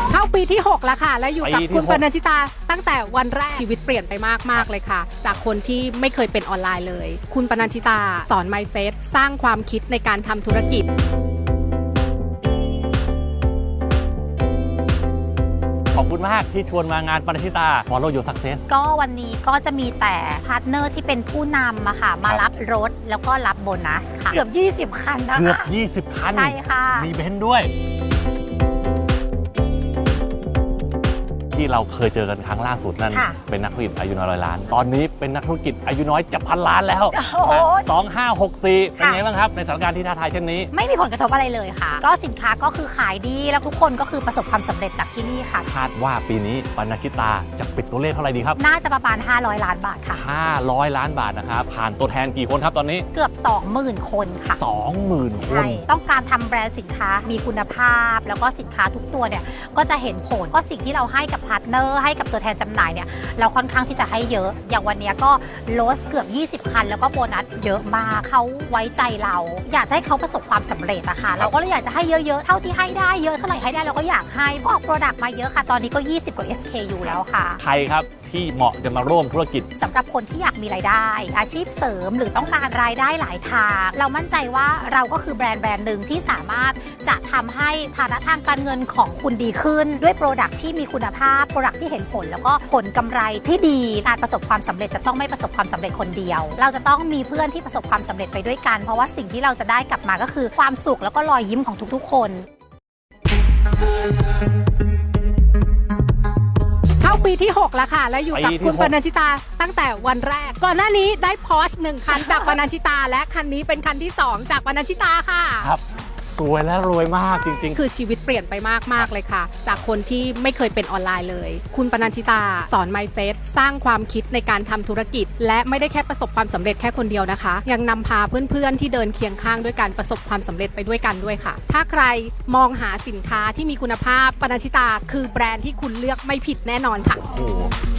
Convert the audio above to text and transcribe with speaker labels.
Speaker 1: เข้าปีที่6แล้วค่ะแล้วอยู่กับคุณปนัญชิตาตั้งแต่วันแรกชีวิตเปลี่ยนไปมากเลยค่ะจากคนที่ไม่เคยเป็นออนไลน์เลยคุณปนัญชิตาสอน mindset สร้างความคิดในการทำธุรกิจ
Speaker 2: ขอบคุณมากที่ชวนมางานปนัญชิตา Follow Your Success
Speaker 3: ก็วันนี้ก็จะมีแต่พาร์ทเนอร์ที่เป็นผู้นำอะค่ะมารับรถแล้วก็รับโบนัสค่ะเกือบ20 คันนะคะ
Speaker 2: เกือบ20 คัน
Speaker 3: ใช่ค่ะ
Speaker 2: มีเบนซ์ด้วยที่เราเคยเจอกันครั้งล่าสุดนั่นเป็นนักธุรกิจอายุน้อย100 ล้านตอนนี้เป็นนักธุรกิจอายุน้อยจะ1,000 ล้านแล้ว2564เป็นไงบ้างครับในสถานการณ์ที่ท้าทายเช่นนี้
Speaker 3: ไม่มีผลกระทบอะไรเลยค่ะก็สินค้าก็คือขายดีแล้วทุกคนก็คือประสบความสำเร็จจากที่นี่ค่ะ
Speaker 2: คาดว่าปีนี้ปนัญชิตาจะปิดตัวเลขเท่าไหร่ดีครับ
Speaker 3: น่าจะประมาณ500 ล้านบาทค่ะ
Speaker 2: 500 ล้านบาทนะครับผ่านตัวแทนกี่คนครับตอนนี้
Speaker 3: เกือบ 20,000 คนค่ะ
Speaker 2: 20,000 คน
Speaker 3: ต้องการทำแบรนด์สินค้ามีคุณภาพแล้วก็สินค้าทุกตัวเนี่ยก็จะเห็นผลก็สิ่งที่เราให้กับพาร์ทเนอร์ให้กับตัวแทนจำหน่ายเนี่ยเราค่อนข้างที่จะให้เยอะอย่างวันนี้ก็ลดเกือบ20 คันแล้วก็โบนัสเยอะมากเขาไว้ใจเราอยากให้เขาประสบความสำเร็จนะคะเราก็เลยอยากจะให้เยอะๆเท่าที่ให้ได้เยอะเท่าไหร่ให้ได้เราก็อยากให้ออกโปรดักต์มาเยอะค่ะตอนนี้ก็20 กว่า SKU แล้วค่ะ
Speaker 2: ใครครับที่เหมาะจะมาร่วมธุรกิจ
Speaker 3: สำหรับคนที่อยากมีรายได้อาชีพเสริมหรือต้องการรายได้หลายทางเรามั่นใจว่าเราก็คือแบรนด์หนึ่งที่สามารถจะทำให้ฐานะทางการเงินของคุณดีขึ้นด้วยโปรดักที่มีคุณภาพโปรดักที่เห็นผลแล้วก็ผลกำไรที่ดีการประสบความสำเร็จจะต้องไม่ประสบความสำเร็จคนเดียวเราจะต้องมีเพื่อนที่ประสบความสำเร็จไปด้วยกันเพราะว่าสิ่งที่เราจะได้กลับมาก็คือความสุขแล้วก็รอยยิ้มของทุกๆคน
Speaker 1: เข้าปีที่6แล้วค่ะแล้วอยู่กับคุณปนัญชิตาตั้งแต่วันแรกก่อนหน้านี้ได้ Porsche 1 คันจากปนัญชิตาและคันนี้เป็นคันที่2จากปนัญชิตาค่ะ
Speaker 2: ครับสวยและรวยมากจริง
Speaker 1: ๆคือชีวิตเปลี่ยนไปมากเลยค่ะจากคนที่ไม่เคยเป็นออนไลน์เลยคุณปนัญชิตาสอน mindset สร้างความคิดในการทำธุรกิจและไม่ได้แค่ประสบความสำเร็จแค่คนเดียวนะคะยังนำพาเพื่อนๆที่เดินเคียงข้างด้วยการประสบความสำเร็จไปด้วยกันด้วยค่ะถ้าใครมองหาสินค้าที่มีคุณภาพปนัญชิตาคือแบรนด์ที่คุณเลือกไม่ผิดแน่นอนค่ะ
Speaker 2: โอ้